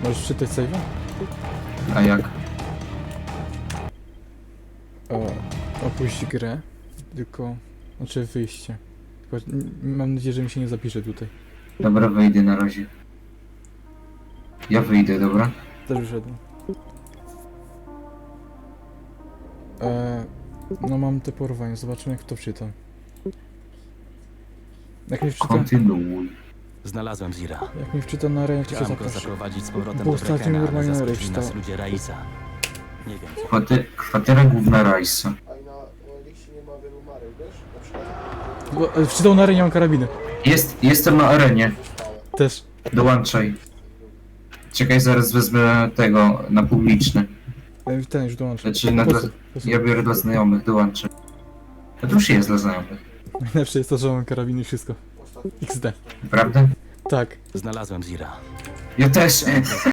Możesz czytać save'a? A jak? Opuść grę, tylko... Znaczy wyjście. Tylko mam nadzieję, że mi się nie zapisze tutaj. Dobra, wyjdę na razie. Ja wyjdę, dobra? Też wyszedłem. No mam te porwanie, zobaczymy jak to wczyta. Jak mi wczyta, Kontynuuj. Znalazłem Zira. jak mi wczyta na arenie, jak to się Chciałem go zapisze. zaprowadzić z powrotem Bo do ostatnio Brekena, ale normalnie na zaskoczyli reszta. nas ludzie Raisa. Nie wiem co. Kwatera główna Rajsa. A i na Elixie nie ma wielu marek, wiesz? Na przykład Bo, wczytał na arenie, mam karabiny. Jestem na arenie. szpałę. Też. Dołączaj. Czekaj, zaraz wezmę tego na publiczny. Ten już dołączył. Znaczy, na dla... ja biorę dla znajomych, dołączę. A to już jest dla znajomych. Najlepsze jest to, że mam karabiny i wszystko. Ostatni. XD. Prawda? Tak. Znalazłem Zira. Ja też.